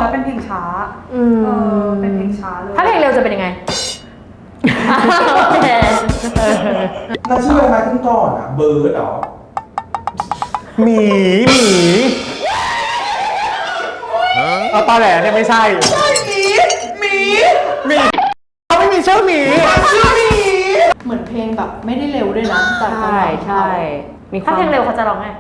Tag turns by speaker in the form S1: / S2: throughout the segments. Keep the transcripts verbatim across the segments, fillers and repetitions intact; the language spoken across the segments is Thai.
S1: แล้วเป็นเพลงช้าเออเป็นเพลงช้าเลย
S2: ถ้าเพลงเร็วจะเป็นยังไง
S3: แล้วชื่ออะไรมาขึ้นก่อนอ่ะเบิร์ดเหรอ
S4: หมีหมีเอาตอนแหลเนี่ยไม่ใช่
S3: ใช่หมีหมี
S4: หมีเขาไม่มีชื่อหมี
S3: ชื่อหมี
S1: เหมือนเพลงแบบไม่ได้เร็วด้วยนะแต่
S2: ใช่ใช่มีถ้าเพลงเร็วเขาจะร้องไง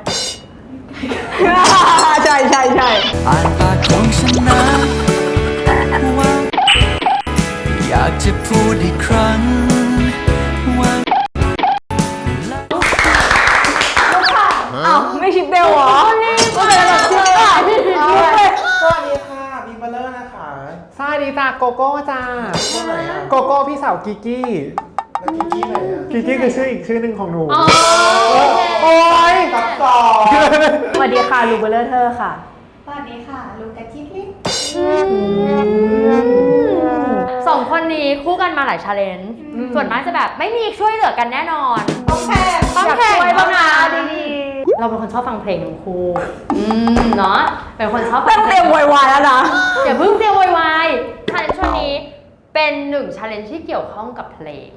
S2: ใช่ใช่ใช่
S5: อ่านปากของฉันนะว่าอยากจะพูดอีกครั้งว่า
S2: อ้าวไม่ชิปเดลเหรอก็เป็นแบบชิปอ่ะพี่ชิปเลย
S3: สวัสดีค่ะบิ๊กบัลเลอร์นะคะ
S4: สวัสดีจ้าโกโก้จ้าโกโก้พี่สาวกิกกี้
S3: แล้วกิกกี้ไหนอ่ะ
S4: กิกกี้คือชื่ออีกชื่อหนึ่งของหนู
S2: โอ้
S4: ย
S3: ตัดต่อ
S2: สวัสดีค่ะลูเบลเลอร์เธอค่ะ
S1: สวัสดีค่ะลูกาคิดลิ
S2: สองคนนี้คู่กันมาหลายชาเลนจ์ส่วนมากจะแบบไม่มีช่วยเหลือกันแน่นอน
S1: ต้องแข่ง
S2: ต้องแข่งบ้างนะดีๆเราเป็นคนชอบฟังเพลงทั้งคู่เนาะเป็นคนชอบ
S1: ต้องเตรียมวายวายแล้วนะ
S2: อย่าเพิ่งเตรียมวายวายชาเลนจ์ช่วงนี้เป็นหนึ่งชาเลนจ์ที่เกี่ยวข้องกับเพลง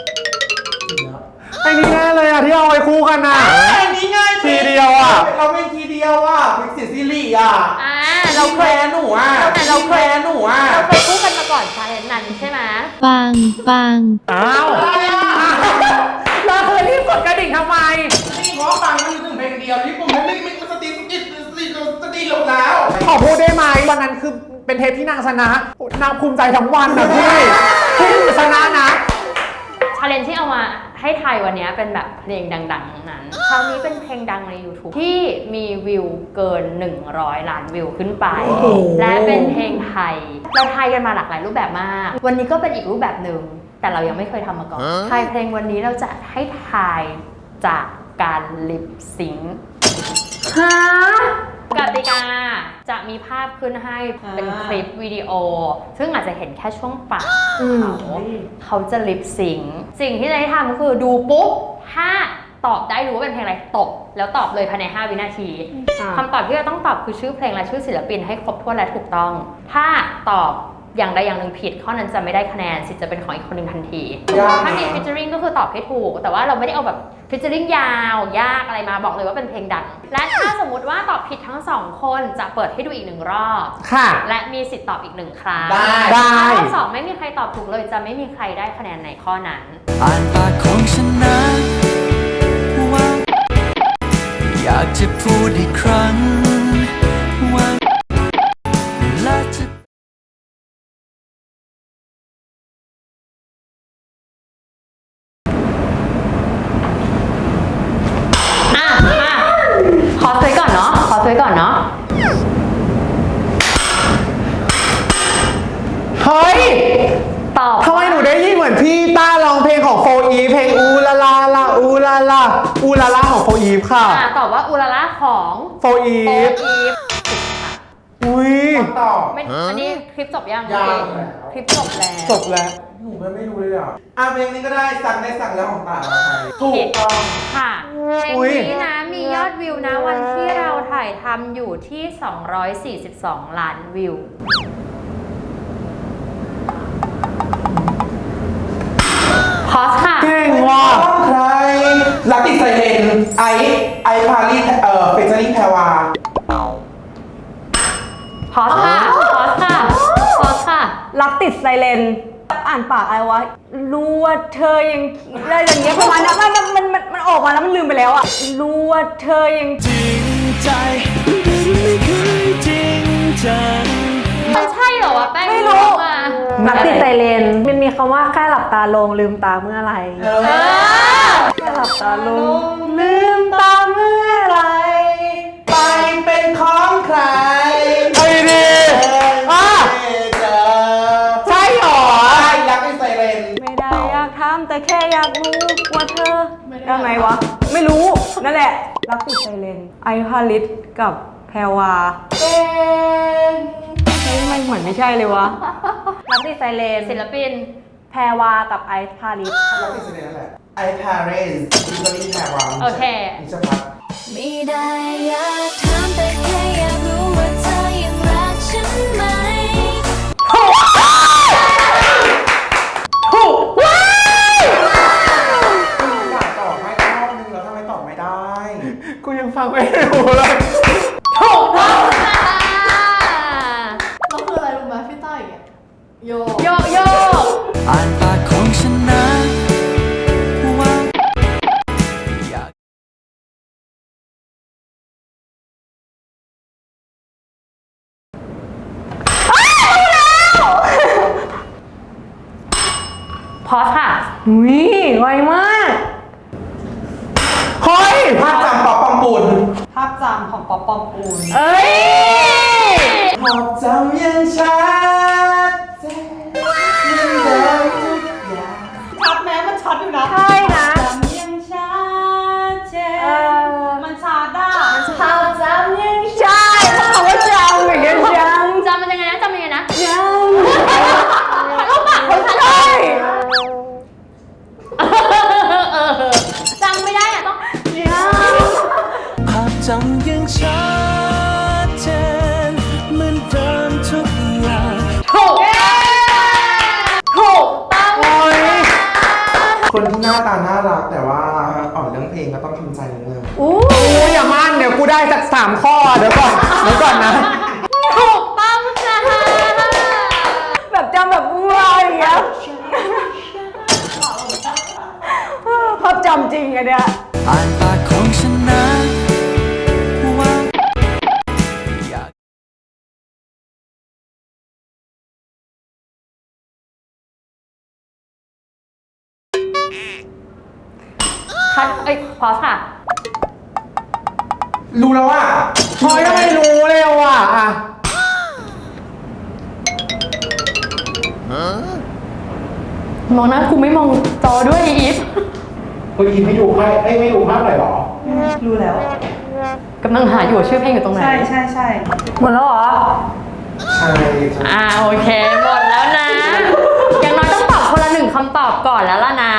S4: ไอ้นี่แน่เลยอ่ะที่เอาไว้คู่กันน่ะ
S3: ไอ้นี่ง่าย
S4: ทีเดียวอ่ะ
S3: เราเป็นทีเดียวอ่ะเป็นเสียซีรีส์อ่ะ
S2: อ่า
S3: เราเคยหนูอ่ะ
S2: เราเคย
S3: หนูอ่ะ
S2: เราเคยคู่กันมาก่อนชาเลนจ์นั้นใช่ไหม
S6: ปังปัง
S4: อ้าวเราเคยรีบกดกระดิ่งทำไม
S3: นี่เพราะฟังมันถึงเพลงเดียวนี่ผมไม่ไม่ไม่สติสติสติสติลงแล้ว
S4: ขอพูดได้ไหมวันนั้นคือเป็นเทปที่นางชนะนางภูมิใจทั้งวันนะพี่ที่ชนะนะ
S2: ชาเลนจ์ที่เอามาให้ไทยวันนี้เป็นแบบเพลงดังๆทั้งนั้นคราวนี้เป็นเพลงดังใน YouTube ที่มีวิวเกินหนึ่งร้อยล้านวิวขึ้นไปและเป็นเพลงไทยเราไทยกันมาหลากหลายรูปแบบมากวันนี้ก็เป็นอีกรูปแบบหนึ่งแต่เรายังไม่เคยทำมาก่อนไทยเพลงวันนี้เราจะให้ทายจากการลิปซิงค์ฮะกติกาจะมีภาพขึ้นให้เป็นคลิปวิดีโอซึ่งอาจจะเห็นแค่ช่วงปากเขาเขาจะลิปซิงค์สิ่งที่จะให้ทำก็คือดูปุ๊บถ้าตอบได้รู้ว่าเป็นเพลงอะไรตบแล้วตอบเลยภายในห้าวินาทีคำตอบที่จะต้องตอบคือชื่อเพลงและชื่อศิลปินให้ครบถ้วนและถูกต้องถ้าตอบอย่างใดอย่างหนึ่งผิดข้อนั้นจะไม่ได้คะแนนสิทธิ์จะเป็นของอีกคนหนึ่งทันทีถ้ามีฟิชเจอริงก็คือตอบให้ถูกแต่ว่าเราไม่ได้เอาแบบฟิชเจอริงยาวยากอะไรมาบอกเลยว่าเป็นเพลงดังและถ้าสมมติว่าตอบผิดทั้งสองคนจะเปิดให้ดูอีกหนึ่งรอบ
S4: ค่ะ
S2: และมีสิทธิ์ตอบอีกหนึ่งครั้ง
S4: ได้
S2: รอบสองไม่มีใครตอบถูกเลยจะไม่มีใครได้คะแนนในข้อนั้น
S5: อ่านปากของฉันนะว่าอยากจะพูดอีกครั้งว่าและจะ
S2: ขอซื้อก่อนเนาะขอซื้อก่อนเนาะ
S4: เฮ้ย
S2: ตอบ
S4: ทำไมหนูได้ยินเหมือนพี่ต้าร้องเพลงของโฟอีเพลงอูลาลาลาอูลาลาอูลาลาของโฟอีฟค่ะ
S2: ตอบว่าอูลาลาของ
S4: โฟอีฟอุ้ย
S3: ตอบ
S2: ไม่อันนี้คลิปจบยังคลิปจบแล้ว
S4: จบแล้ว
S3: หนูไม่รู้เลยอ่ะอ่ะเพลงนี้ก็ได้สั่งได้สั่งแล้วของตาถูกต้อง
S2: ค่ะเพลงนี้นะมียอดวิวนะวันที่เราถ่ายทำอยู่ที่สองร้อยสี่สิบสองล้านวิวพอสค่ะ
S4: เก่งว่ะ
S3: ใครรักติดไซเลนไอไอพารีเอ่อเฟเจอริ่งแพรวา
S2: พอสค่ะพอสค่ะพอสค่ะ
S1: รักติดไซเลนอ่านปากอะไรวะรู้ว่าเธอยังอะไรอย่างเงี้ยประมาณนั้นมันมันมันมันออกมาแล้วมันลืมไปแล้วอ่ะรู้ว่าเธอยัง
S5: จริงใจไม่เคยจริงจัง
S2: มันใช่เหรอวะแป้ง
S1: ไม่รู้รักติดไซเลนมันมีคำว่าแค่หลับตาลงลืมตาเมื่อไรแค่หลับตาลงลืมตาเมื่อไร
S3: ไปเป็นของใคร
S4: ไอ้ดีอ่ะใช่หรอ
S3: ใช่รักติดไซเลน
S1: ไม่ได้อยากถามแต่แค่อยากรู้ว่าเธอยังไงวะไม่รู้นั่นแหละรักติดไซเลนไอพาริสกับแพรวาเก่งเฮ้ยมันเหมือนไม่ใช่เลยวะรักติดไซเลน
S2: ศิลปิน
S1: แพรวากับไอพาริส
S3: รักติดไซเลนนั่นแหละไอพาริสฟิชเจอริ่งแพรวา
S2: โอเค
S3: นิชพัฒน์
S6: ไม่ได้อยากถามแต่แค่อยากรู้ว่าเธอยังรักฉันไหม
S2: โยโยโย
S5: อ่านปากของฉันนะว่าอยาก
S2: พอสค่ะ
S1: อุ้ยไวมาก
S4: เฮ้ย
S3: ภาพจำปอบปองปูน
S1: ภาพจำของป๊อปปองปูน
S2: เอ้ย
S3: ภาพจำยังชัดเจนยังเดิมทุกอย่าง
S1: ชัดแม้มันชัดอยู่นะ
S2: ใช่นะ
S1: จำยังชัดเจ
S2: เอน อ
S1: มันชัดอ่ะ
S2: ภาพจำยัง
S1: ใช่คำว่าจำอย่างเงี้ยจำ
S2: จำมันยังไงนะจำยังไงนะ
S1: จำ
S2: ลูกปากคนชัดเล
S1: ใช่
S2: ยเออจำไม่ได้อะต้อง
S5: ภาพจำยังชัดเจนเหมือนเดิมทุกอย่าง
S2: ถูกถูกต้อง
S3: คนที่หน้าตาน่ารักแต่ว่าอ่อนเรื่องเพลงก็ต้องทำใจนิดนึง
S1: อู้
S4: โอ้ยอย่ามั่นเดี๋ยวกูได้สักสามข้อ เดี๋ยวก่อน เดี๋ยวก่อนนะ
S2: ถูกต้องจ้า
S1: แบบจำแบบอู้อะไรอย่างเงี้ยภาพจำจริงอะเนี่ย
S5: อ่านปากของฉันนะว่าอยาก
S2: คัดเอ้ยพอสค่ะ
S3: รู้แล้วว่า
S4: พอยทำไมรู้เร็วอ่ะอ่ะ
S2: มองหน้ากูไม่มองจอด้วยอีฟ
S3: คุณอีไม่ดูใครไอ้ไม่ดูภาพหน่อยหรอ
S1: รู้แล้ว
S2: กำลังหาอยู่ว่าชื่อเพลงอยู่ตรงไหน
S1: ใช่ใช่ใช่หมดแล้วเหรอ
S3: ใช่ใช่
S2: อ่าโอเคหมดแล้วนะ อย่างน้อยต้องตอบคนละหนึ่งคำตอบก่อนแล้วล่ะนะ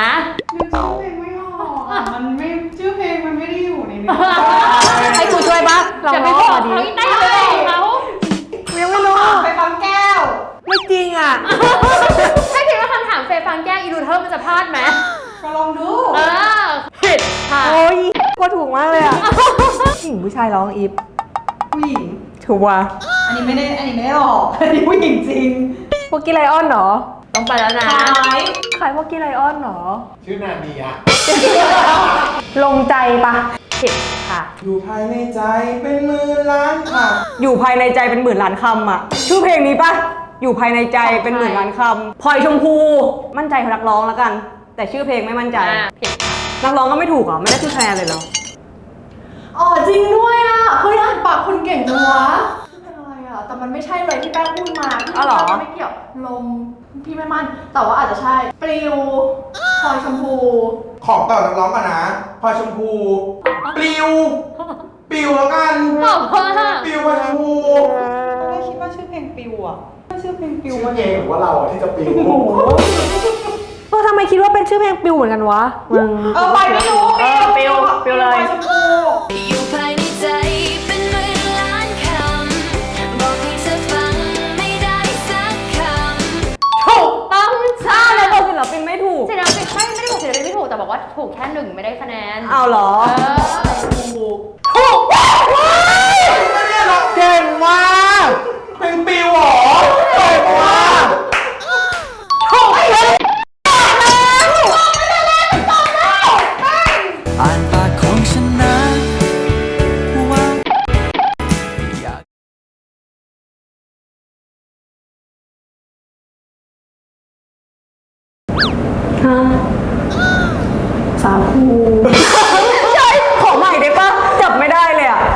S1: มันไม่ชื่อเพลงมันไม่ได้อยู่ในนี้
S2: ให้กูช่วยปะอย่าไปบอกเขาอีกได้อย่าไปบอกเขา
S1: ยังไม่รู้ไปฟังแก้ว ไม่จริงอ่ะ
S2: ถ้าคิดว่าคำถามเฟย์ฟังแก้อีรูเทอร์มันจะพลาดไหม
S1: ก็ลองดู
S2: เออผิดค่ะ
S1: โอ้ยก็ถูกมากเลยอ่ะผู้หญิงผู้ชายร้องอีฟผู้หญิงถูกว่ะอันนี้ไม่ได้อันนี้ไม่ได้หรอกอันนี้ผู้หญิงจริงพวกกี้ไลออนเหรอ
S2: ต้องไปแล้วนะ
S1: ขายขายพวกกี้ไลออนเหรอ
S3: ชื่อนาเดีย
S1: ลงใจปะ
S2: ผิดค่ะ
S3: อยู่ภายในใจเป็นหมื่นล้านค่ะ
S1: อยู่ภายในใจเป็นหมื่นล้านคำอ่ะชื่อเพลงนี้ปะอยู่ภายในใจเป็นหมื่นล้านคำพลอยชมพูมั่นใจนักร้องแล้วกัน แต่ชื่อเพลงไม่มั่นใจ
S2: อ่าผิดค่ะ
S1: นักร้องก็ไม่ถูกเหรอไม่ได้ชื่อคะแนนเลยเหรอ
S7: อ๋อจริงด้วยอ่ะเฮ้ยอ่านปากคนเก่งจังวะเป็นอะไรอ่ะแต่มันไม่ใช่เลยที่แป้งพูดมาพี่
S1: อ้าวเหรอ
S7: ว่าไม่เกี่ยวลมพี่ไม่มั่นแต่ว่าอาจจะใช่ปลิวพลอยชมพู
S3: ของต่อนักร้องกันนะพลอยชมพูปลิวปลิวแล้วกัน
S2: ตอบว่า
S3: ปลิวพลอยชมพู
S1: ไม่คิดว่าชื่อเพลงปิวอ่ะชื่อเพลงปิว
S3: ชื่อเพลงหรือว่าเราอะที่จะปลิว
S1: เออทำไมคิดว่าเป็นชื่อเพลงปิวเหมือนกันวะมึงเออไปไม่รู้เออปิวปิวเลย
S8: อยู่ภายในใจเป็นหมื่นล้านคำบอกให้เธอฟังไม่ได้สักคำ
S2: ถูกต้องจ้า
S1: อ้าวแล้วบอกศิลปินไม่ถูก
S2: ศิลปินไม่ไม่ได้บอกศิลปินไม่ถูกแต่บอกว่าถูกแค่หนึ่งไม่ได้คะแนน
S1: เอาเหรอ
S2: เออ
S1: ถูก
S4: เก่งมาก
S3: เพลงปลิวเหรอเก่งมาก
S5: อ่านปากของฉันนะว่าอยาก
S1: สาคูใช่ขอใหม่ได้ปะจับไม่ได้เลยอ่ะ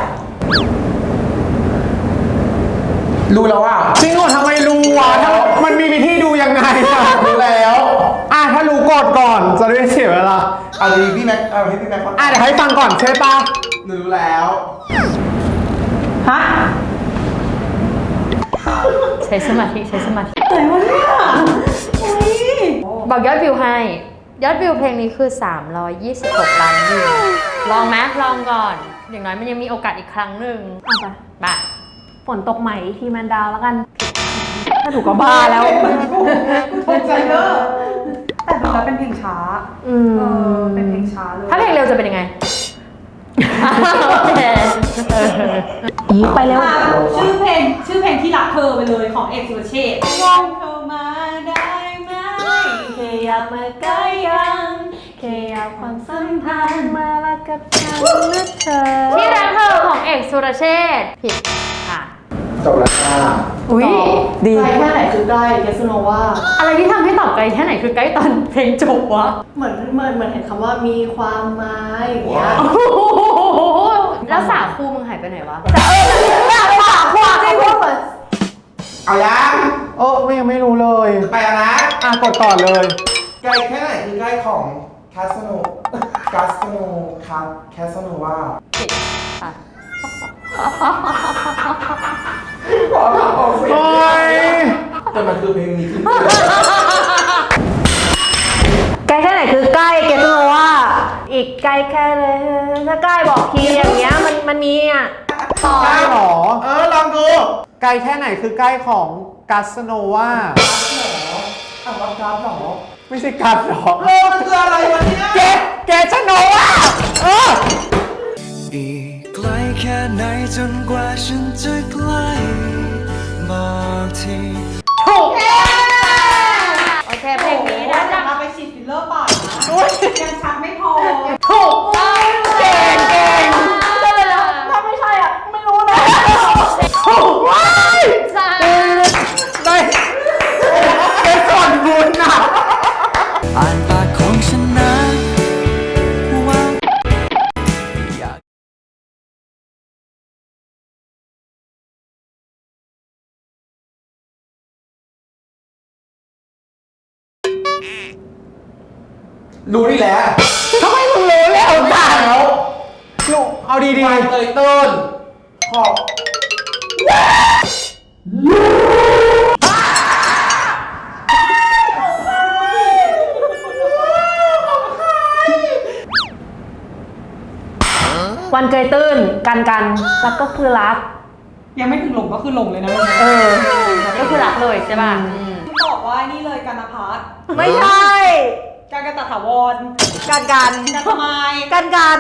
S3: รู้แล้วว่า
S4: จริงเหรอทำไมรู้วะถ้ามันมีวิธีดูยังไงอะ
S3: รู้แล้ว
S4: อ่ะถ้ารู้กดก่อนจะได้เสียเวลา
S3: เอาดีพี่แม็กเอาให้พี่แม็กฟัง
S4: อ่ะเดี๋ยวให้ฟังก่อนใช่ปะ
S3: หนูรู้แล้ว
S1: ฮะ
S2: ใช้สมาธิใช้สมาธิ
S1: ไหนวะเนี่ยโอ้ย
S2: บอกยอดวิวให้ ยอดวิวเพลงนี้คือสามร้อยยี่สิบหกล้านวิว ลองไหมลองก่อน อย่างน้อยมันยังมีโอกาสอีกครั้งหนึ่ง
S1: เอาไป
S2: มา
S1: ฝนตกใหม่ทีแมนดาวแล้วกัน ถ้าถูกก็บ้าแล้วตกใจเนอะแต่ดูแล้วเป็นเพลงช้า อืมเออเป็นเพลงช้าเลย
S2: ถ้าเพลงเร็วจะเป็นยังไง โอเคเออ
S1: อีไปเร็ว
S9: ชื่อเพลงชื่อเพลงที่รักเธอไปเลยของเอกสุรเชษฐ์มองเธอมา
S1: ยับมาใกล้กันขยับความสัมพันธ์มาละกับฉันนะเธอ
S2: ที่รักเธอของเอกสุรเชษฐ์ผิดค่ะ
S3: จบแล้วค่ะ
S2: อุ้ย
S1: ดี
S7: ใกล้แค่ไหนคือใกล้เกสโนว่า
S2: อะไรที่ทำให้ตอบไกลแค่ไหนคือใกล้ตอนเพลงจบวะ
S7: เหมือนเหมือนเหมือนเห็นคำว่ามีความหมายอย่างเงี้ย
S2: แล้วสาคูมึงหายไปไหนวะ
S1: แต่เออแต่ไม่ได้ปากควาจริงพูดเหมือน
S3: เอายัง
S4: เออไม่ยังไม่รู้เลย
S3: ไปแล้วนะ
S4: อ่ะกดก่อนเลย
S3: ใกล้แค่ไหนคือใกล้ของคาสโนคาสโนคาแคสโนว่า
S2: ผิดค่ะ
S3: ขอถามออกเสียง
S4: โอ้ย
S3: แต่มันคือเพลงนี้ที่
S1: ใกล้แค่ไหนคือใกล้เกสโนว่าอีกไกลแค่เลยถ้าใกล้บอกทีอย่างเงี้ยมันมันมีอ่ะ
S4: ใกล้หรอ
S3: เออลองดู
S4: ไกลแค่ไหนคือใกล้ของกัสโนวา
S3: อ่ะรับการ์ดหรอ
S4: ไม่ใช่กัสหรอ
S3: เออมันคืออะไรวะเนี่ย
S4: เกเกสโนวาเออ
S5: อีกไกลแค่ไหนจนกว่าฉันจะใกล้บอกที
S2: ถูกโอเคเพลงนี้นะจ๊ะ
S7: มาไปฉีดฟิลเลอร์ปากนะยังชัดไม่พอ
S2: ถูกต้องเก่งเก่ง
S7: ถ้าไม่ใช่อ่ะ ไม่รู้นะ
S4: ถูกว้าย
S2: จ้า
S4: ได้ได้ส่วนบุญอ่ะ
S5: อ่านปากของฉันนะว่าอยาก
S3: รู้นี่แหละ
S4: ทำไมมึงรู้แล้วจ้าลูกเอาดี
S3: วายเตยต้นขอบ
S1: วันเกยตื้นกันกันแล้วก็คือรัก
S9: ยังไม่ถึงหลงก็คือหลงเลยนะ
S1: เออ
S2: ก็คือรักเลยใช่ป่ะอืม
S9: ตอบว่านี่เลยกันพัฒน์
S1: ไม่ใช่
S9: การกระตถาวร
S1: กันกัน
S9: กันสมัย
S1: กันกัน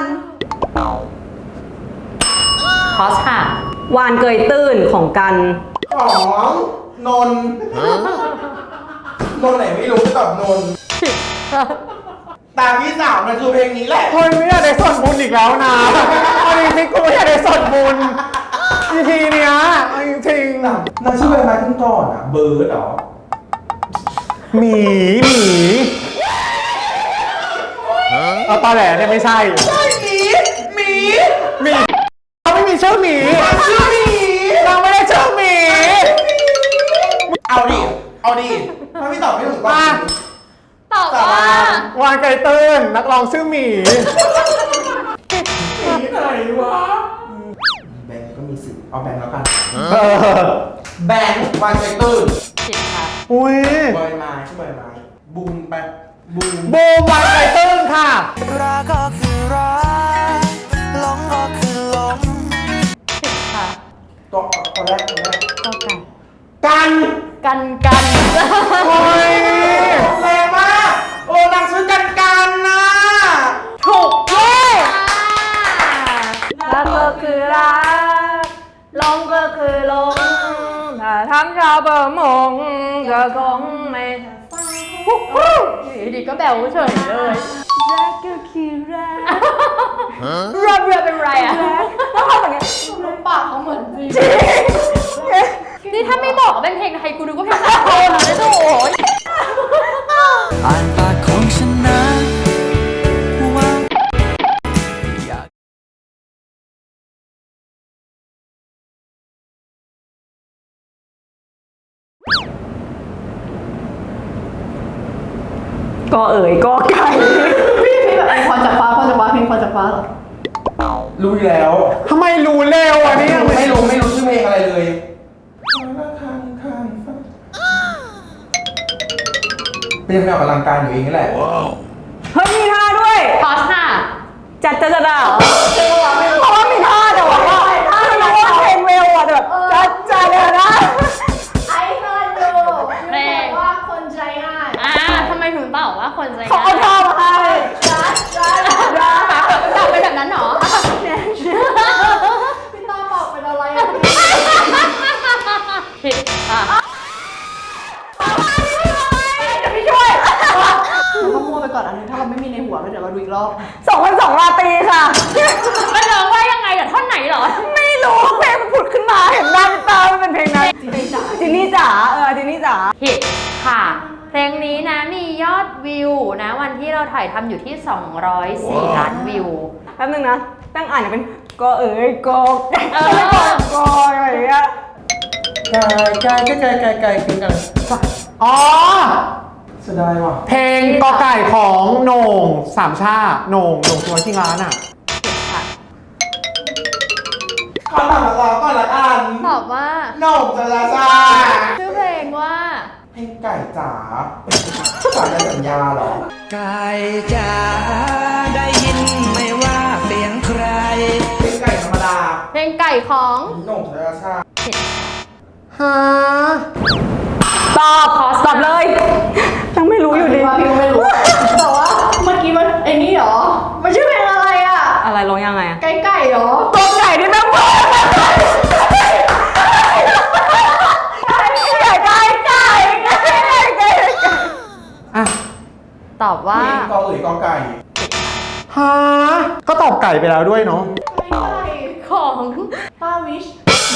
S2: พอสค่ะ
S1: วานเกยตื้นของกัน
S3: ของนนท์นนท์ไหนไม่รู้ก็ตอบนนท์ตามพี่สาวมันคือเพลงนี้แหละ
S4: ๆคนไม่อยากได้ส่วนบุญอีกแล้วนะเอาจริงๆกูไม่อยากได้ส่วนบุญอีพีเนี้ยเอาจริง
S3: นางชื่อใบไม้ขึ้นก่อนอ่ะ เบิร์ดเหรอ
S4: ๆหมีหมีเอาตอแหลเนี่ยไม่ใช่
S3: ใช่หมีหมี
S4: หมีเขาไม่มีชื่อหมี
S3: ชื่อหมี
S4: เราไม่ได้ชื่อหมี
S3: เอาดิ เอาดิ ถ้าพี่ตอบไม่ถูกก็
S4: อ่ะ
S2: ตอบว่า
S4: วานไก่ตื้นนักร้องชื่อหมี
S3: หมีไหนวะ แบงก์ก็มีสิทธิ์เอาแบงก์แล้วกัน
S4: เออ
S3: แบงก์วางใจตื้น
S2: ผิดค่ะ
S4: อุ้ย
S3: ใบไม้ชื่อใบไม้บูมไปบูม
S4: บูมวานไก่ตื้นค่ะ
S5: รักก็คือรักหลงก็คือหลง
S2: ผิดค่ะ
S3: ตัวตัวแรกตัวแรก
S2: ก็กัน
S3: กัน
S2: กันกัน
S4: โอ้ย
S3: แรงมาก โอ้นางชื่อกันกันนะ
S2: ถูกเย้
S1: รักก็คือรักลงก็คือลงถ้าทำชาวประมงก็คงไม่ฟัง
S2: อยู่ดีก็แบวเฉยเลย
S1: รักก็คือรัก
S2: รอบเรือเป็นไรอ่ะ
S1: แล้วทำอย่างเงี้ย
S7: รูปปากเขาเหมือนจริง
S2: นี่ถ้าไม่บอกว่าเป็นเพลงไทยกูดูก็เพลงสากลนะโถ่
S5: อ่านปากของฉันนะว่าอยาก
S1: ก็เอ๋ยก็ไก่
S7: พี่พี่แบบพรจากฟ้าพรจากฟ้าเพลงพรจากฟ้าเหรอ
S3: รู้อยู่แล้ว
S4: ทำไมรู้เร็วอ่ะเนี่ย
S3: ไม่รู้ไม่รู้ชื่อเพลงอะไรเลยเป็นยังไงออกกำลังกายอยู่เองนี่แหละ
S1: เฮ้ยมีท่าด้วย
S2: พอสค่ะ
S1: จัดจัดจัดอ่ะเพราะว่ามีท่าแต่ว่าท่ามันว่าเพลงเร็วอ่ะแต่แบบจัดจัดเลยนะ
S7: ไอ้เคยดู
S2: เพลง
S7: ว่าคนใจง่าย
S2: อ่าทำไมถึงตอบว่าคนใจ
S1: เขาเอาท่ามาให้
S7: จัดจัด
S2: ตอบเป็นแบบนั้นเหรอ
S7: พี่ต้าบอกเป็นอะไรอ่ะ
S2: ผิดค่ะ
S1: จะไม่ช่วย
S7: ก่อนอันนึงถ้าเราไม่มีในหัวเดี๋ยวเราดูอีกรอบ
S1: สองพันสองราตรีค่ะ
S2: มันร้องว่ายังไงเดี๋ยวท่อนไหนเหรอ
S1: ไม่รู้เพลงมันผุดขึ้นมาเห็นหน้าเป็นตามันเป็นเพลงนั้นจินนี่จ๋าเออจินนี่จ๋า
S2: ผิดค่ะ เพลงนี้นะมียอดวิวนะวันที่เราถ่ายทำอยู่ที่ สองร้อยสี่ ล้านวิว
S1: แป๊บนึงนะตั้งอ่านเป็นก็เอ๋ยกอก
S2: เออ
S1: กอกอะไรอย่างเงี้ย
S3: ไก่ไก่ไก่ไก่ไก่คือกัน
S4: อ๋อ
S3: เสียดายว่ะ
S4: เพลงกอไก่ของโหน่งสามชาโหน่งโหน่งที่วัดที่ร้านอ่ะ
S3: ขอถามเราก่อนละกัน
S2: ตอบว่า
S3: โหน่งจะราชา
S2: ชื่อเพลงว่า
S3: เพลงไก่จ๋าจ๋าในสัญญาเหรอ
S5: ไก่จ๋าได้ยินไหมว่าเสียงใคร
S3: เพลงไก่ธรรมดา
S2: เพลงไก่ของ
S3: โหน่งจะราชา
S4: ฮะ
S1: ตอบตอบเลยยังไม่รู้อยู่ดี
S7: ว่าพี่ก็ไม่รู้แต่ว่าเมื่อกี้มันไอ้นี่เหรอมันชื่อเพลงอะไรอ่ะ
S1: อะไรร้องยังไงอะ
S7: ไก่ไก่เหรอ
S1: ตัวไก่ที่แม่งเปิดไก่ไก่ไก่ไก่ไก่ไก่ไก่
S4: อ่ะ
S2: ตอบว่า
S3: เพลงกอเอ๋ยกอไก่
S4: ฮะก็ตอบไก่ไปแล้วด้วยเนาะ
S7: ไก่ไก่
S2: ของ
S7: ป้าวิช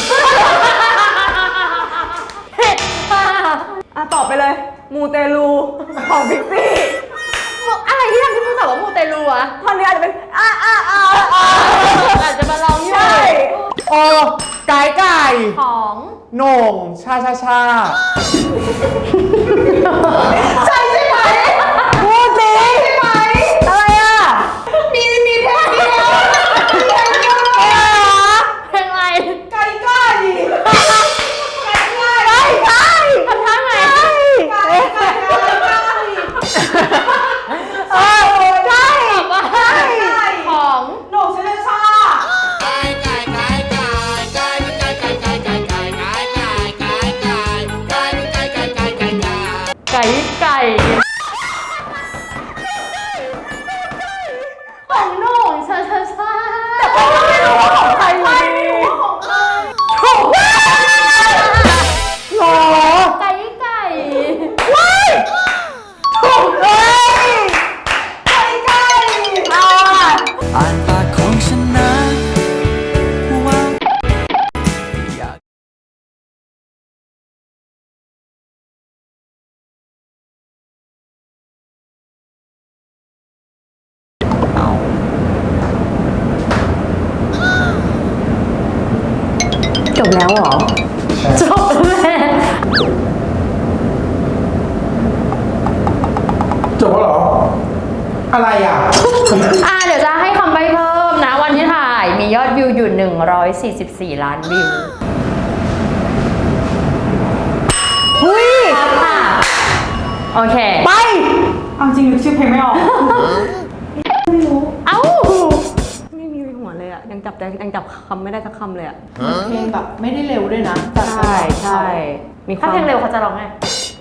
S2: ผิดค่ะ
S1: อ่ะตอบไปเลย มูเตลูของพิกซี่
S2: อะไรที่ทำให้มึงตอบว่ามูเตลูอะ
S1: ท่อนนี้อาจจะเป็นอ่ะอ่ะอ่ะอ่ะ
S2: อาจจะมาลองอยู่
S1: ใช่
S4: โอ้ไก่ไก่
S2: ของ
S4: โหน่งชาชาชา
S1: ใช่ใช่ไหมพูดสิใช่ไหมอะไรอ่ะ
S7: มีมีเพลงเดียว
S2: เพลงอะไร
S7: ไก่ไก่ไก่ไก่
S1: ใช่ใช่
S2: ทำท่าไง
S7: ไก่ไก่ไก่ไก่
S1: เออใช่
S2: ตอบว่าของ
S7: โหน่งเชลชา
S2: ไก่ไก่ของโหน่งชาชาชา
S1: ไม่รู้ว่าของใครอยู่ดี
S7: ของใคร
S1: ถูก
S4: หรอ
S2: ไก่ไก่
S1: ถูกเลยไก่ไก่อ่ะ
S5: อ่านปากของฉันนะว่าอยาก
S1: จบแล้วเหรอ
S2: จบแล้ว
S3: จบแล้วเหรอ อะไรอ่ะ
S2: อ่ะเดี๋ยวจะให้คำใบ้เพิ่มนะ วันที่ถ่ายมียอดวิวอยู่ หนึ่งร้อยสี่สิบสี่ ล้านวิว
S1: หุ้ย
S2: ค่ะ โอเค
S1: ไป
S9: เอาจริงนึกชื่อเพลงไม่ออก
S2: เอ้า
S1: ไม่มีหัวเลยอ่ะ ยังจับใจยังจับคำไม่ได้สักคำเลยอ่ะ
S7: เพลงแบบไม่ได้เร็วด้วยนะ
S1: ใช่ใช่มีควา
S2: ถ้าม เพลงเร็วเขาจะร้องไง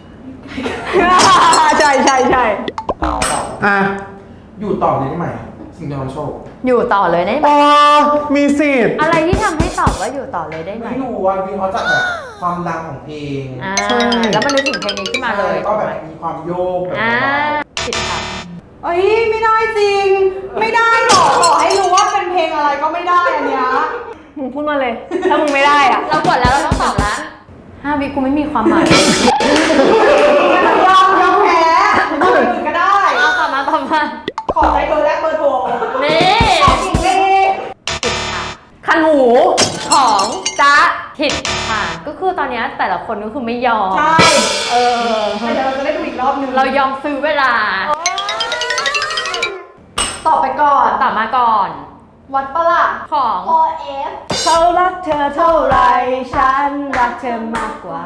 S1: ใช่ใช่ใช่
S4: อ่ะ
S3: อยู่ต่อเลยได้ไหมสิ่งที่เราโชค
S2: อยู่ต่อเลยได้ไหม
S4: อ๋อมีสิทธิ์
S2: อะไรที่ทำให้ตอบว่าอยู่ต่อเลยได้ไหม
S3: ไม่รู้ว่าวิเคราะห์จากแบบความดังของเพลง
S2: อ่าแล้วมันนึกถึงเพลงนี้ขึ้นมาเลย
S3: ใช่ก็แบบมีความโยกแบบ
S2: อ่าผิดค่ะ
S9: เอ้ยไม่ได้จริง ไม่ได้หรอกต่อให้รู้ว่าเป็นเพลงอะไรก็ไม่ได้อันเนี้ย
S1: มึงพูดมาเลย ถ้ามึงไม่ได้อ่ะ
S2: เรากดแล้วเราต้องตอบแล้วห้าวิกูไม่มีความหมาย
S9: ยอมยอมแพ้เอาอย่างอื่นก็ได้
S2: เอาตอบมาตอบมา
S9: ขอใจเธอแลกเบอร์โทร
S2: นี่
S9: จริงเลย
S1: คันหู
S2: ของจ๊ะผิดค่ะ ก็คือตอนเนี้ยแต่ละคนก็คือไม่ยอม
S9: ใช่
S2: เออ
S9: เดี๋ยวเราจะได้ดูอีกรอบนึง
S2: เรายอมซื้อเวลา
S7: ตอบไปก่อน
S2: ตอบมาก่อน
S7: วัดปะล่ะ
S2: ของ
S7: โอเอฟ
S1: เขารักเธอเท่าไร ฉันรักเธอมากกว่า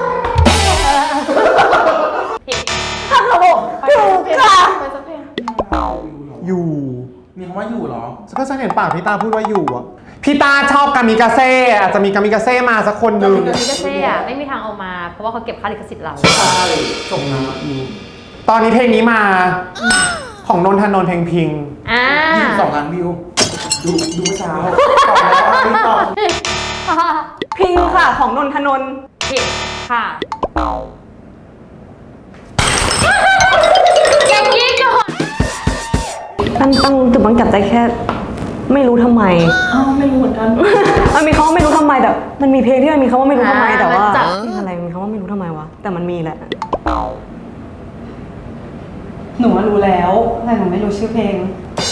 S2: ผิด
S1: ถ้าเขาบอกถูกค่ะ
S7: ไปสักเพลง
S4: อยู่
S3: มีคำว่าอยู่เหรอ
S4: ก็จะเห็นปากพี่ตาพูดว่าอยู่อ่ะ พี่ตาชอบกามิกาเซ่อาจจะมีกามิกาเซ่มาสักคนหนึ่ง
S2: มิกาเซ่อะไม่มีทางเอามา เพราะว่าเขาเก็บค่าลิขสิทธิ์เรา
S3: ใช่จบนะอยู่
S4: ตอนนี้เพลงนี้มาของนนทนนท์เพลงพิง
S2: อ่า
S3: ยี่สิบสองล้านวิว ดูดูเมื่อเช้าตอบแล้วว่าไม่ตอบ
S1: พิงค่ะของนนทนนท์
S2: ผิดค่ะอย่างนี้ก่อน
S1: ตั้งตั้งจุดบังจับใจแค่ ไม่รู้ทำไม
S7: อ้าวไม่รู้เหมือนกัน
S1: มันมีคำว่าไม่รู้ทำไมแต่มันมีเพลงที่มันมีคำว่าไม่รู้ทำไม
S2: อ่า
S1: แต่ว่า
S2: มันจับ
S1: เพลงอะไรมันมีคำว่าไม่รู้ทำไมวะแต่มันมีแหละ
S9: หนูว่ารู้แล้วแต่หนูไม่รู้ชื่อเพลง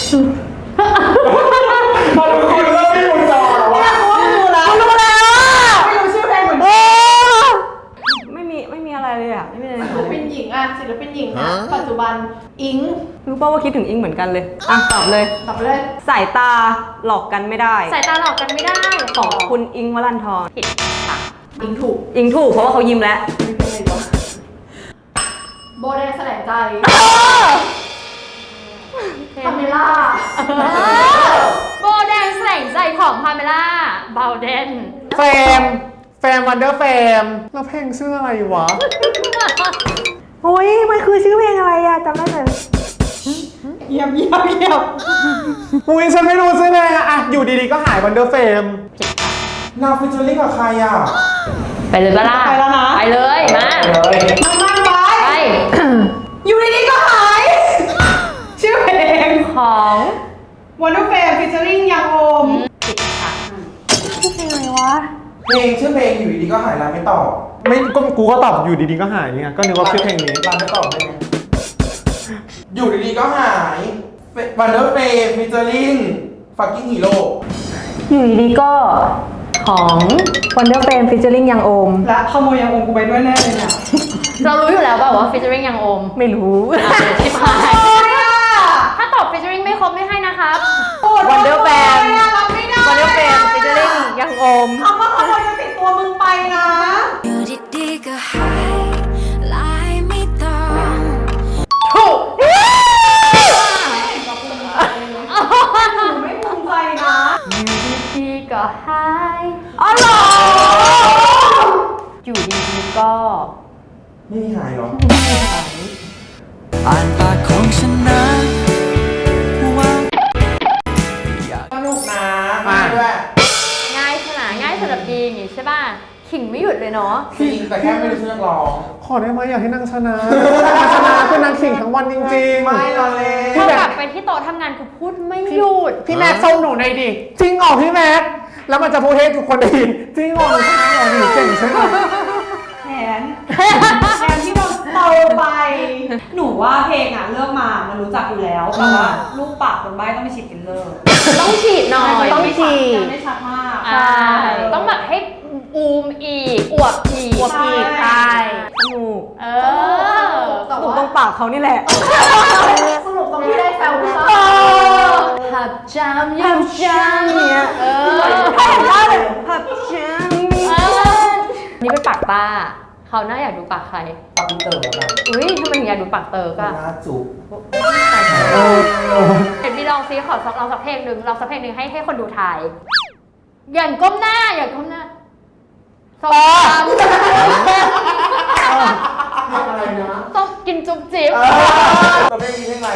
S3: พอรู้คุณเริ่มไม่รู้จอแล้วว่า
S9: รู้แล้วรู้แล้วไม่รู้ชื่อเพลงเหมือนกัน
S1: ไม่มีไม่มีอะไรเลยอ่ะไม่มีอะไร
S7: ศิลปินหญิงอะศิลปินหญิงนะปัจจุบันอิง
S1: รู้ป่าวว่าคิดถึงอิงเหมือนกันเลยอ่ะตอบเลย
S7: ตอบไปเลย
S1: สายตาหลอกกันไม่ได้
S2: สายตาหลอกกันไม่ได้
S1: ของคุณอิงค์วรันทร
S2: ผิดค่ะ
S7: อิงถูก
S1: อิงถูกเพราะว่าเขายิ้มแล้ว
S7: ไม่เป็นไรวะโบแดงแสลงใจพาเมล่า
S2: โบแดงแสลงใจของพาเมล่าเบาเดน
S4: แฟมแฟมวันเดอร์แฟมแล้วเพลงชื่ออะไรวะ
S1: โอ้ยมันคือชื่อเพลงอะไรอะจำได้เลย
S9: เยี่ยมเยี่ยมเยี่ยม
S4: อุ้ยฉันไม่รู้ชื่อเพลงอะอะอยู่ดีๆก็หายวันเดอร์แฟม
S3: นาวฟิชเจอริ่งกับใครอ่ะ
S2: ไปเลยปะล่ะ
S9: ไปแล้วนะ
S2: ไปเลยมา
S3: เลย
S9: มันมันไป
S2: ไป
S9: อยู่ดีๆก็หาย ชื่อเพลง
S2: ของ
S9: Wonder Fam featuring ยังโอม
S2: ผิดค่ะ
S1: ชื่อเพลงอะไรวะ
S3: เพลงชื่อเพลงอยู่ดีๆก็หายร้านไม่ตอบ
S4: ไม่ก็กูก็ตอบอยู่ดีๆก็หายไงก็นึกว่าชื่อเพลงนี้
S3: ร้านไม่ตอบได้ไงอยู่ดีๆก็หายวันเดอร์เฟย์ฟิชเจอริ่งฟักกิ้งฮีโร่
S1: อยู่ดีๆก็ของ Wonder Fam featuring ยังโอม
S9: และขโมยยังโอมกูไปด้วยแน่เลยเนี่ย
S2: เรารู้อยู่แล้วเปล่าว่า featuring ยังโอม
S1: ไม่รู้
S2: อ่ะชิบหาย
S9: โอ้ยอะ
S2: ถ้าตอบ featuring ไม่ครบไม่ให้นะครับ
S9: โอ้ย
S1: Wonder Fam
S9: โอ้ยอะรับไม่ได้
S1: Wonder Fam featuring ยังโอม
S9: คำว่าขโมยจะติดตัวมึงไปนะ
S8: อยู่ดีๆก็หายลายไม่ต้อง
S2: ถูก
S9: หนูไม่ภูมิใจนะ
S2: อยู่ดีๆก็หาย
S1: อ๋อเหรอ
S2: อยู่ดีๆก็
S3: ไม่มีหายหรอ
S5: อ่านปากของฉันนะว่าอยาก
S3: สนุกนะมาด้วย
S2: ง่ายขนาดง่ายสำหรับดีอย่างงี้ใช่ป่ะขิงไม่หยุดเลยเนาะ
S3: จริงแต่แค่ไม่รู้ชื่อนักร้อง
S4: ขอได้ไหมอยากให้นางชนะนางชนะคือนางขิงทั้งวันจริงๆ
S3: ไม่รอเลย
S2: พอกลับไปที่โต๊ะทำงานคือพูดไม่หยุด
S4: พี่แม็กซ์ส่งหนูหน่อยดิ จริงเหรอพี่แม็กซ์แล้วมันจะพูดให้ทุกคนได้ยิน จริงเหรอหนูชนะเหรอหนูเก่งใช่ไหม
S9: แขนแขนที่เราโตไป หนูว่าเพลงอะเลือกมามันรู้จักอยู่แล้ว แต่ว่าลูกปากคนใบ้ต้องไปฉีดฟิลเลอร์
S2: ต้องฉีดหน่อย
S9: ต้องฉีดยังไม่ชัดมาก
S2: ใช่ต้องแบบให้อูมอีกอวบอีก
S1: อวบอีก
S2: ใช่
S1: สนุก
S2: เออ
S7: แต่
S1: สนุก
S7: ว่า
S1: ตรงปากเขานี่แหละ
S7: สรุปตรงที่ได้แซวใช่
S2: หับจามยั
S1: ผั
S2: ง
S1: บจังเนี่ย
S2: เออ
S1: ถ้าเห็นว่าเลยผับจัง
S2: เออนี่เป็นปากป้าเขาวหน้าอยากดูปากใคร
S3: ปาปิเตอร์แล้วกัน
S2: อุ้ยทำไมถึงอยากดูปากเติร์กอะ
S3: หน้าจุก
S2: เห็นมีลองซีขอลองสักเพลงหนึ่งลองสักเพลงหนึ่งให้ให้คนดูทายอย่างก้มหน้าอย่างก้มหน้าส้มต
S3: อะไรนะ
S2: ำส้มกินจุ๊บจิ๊บ
S3: ตัวเพลงนี้เพลงอะไร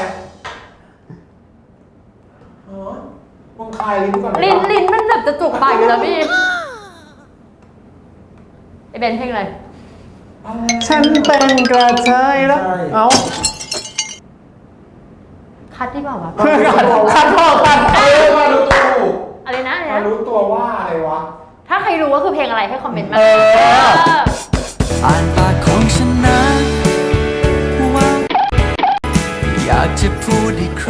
S3: อ๋อมึงคลายลิ้นก่อน
S2: ลิ้นลิ้นมันแบบจะจุกปากอยู่แล้วพี่ไอเบนเพลงอะไร
S4: ฉันเป็นกระเทยแล้ว เอ้า
S2: คัดดีกว่าวะ
S4: เพื่อนกันคัดพอกัน
S3: เออมารู้ตัวถูก
S2: อะไรนะอะไร
S3: มา
S2: นะ
S3: รู้ตัวว่าอะไรวะ
S2: ถ้าใครรู้ว่าคือเพลงอะไรให้คอมเมนต์มา
S4: เออ
S2: เออ
S5: อ่านปากของฉันนะว่าอยากจะพูดอีกค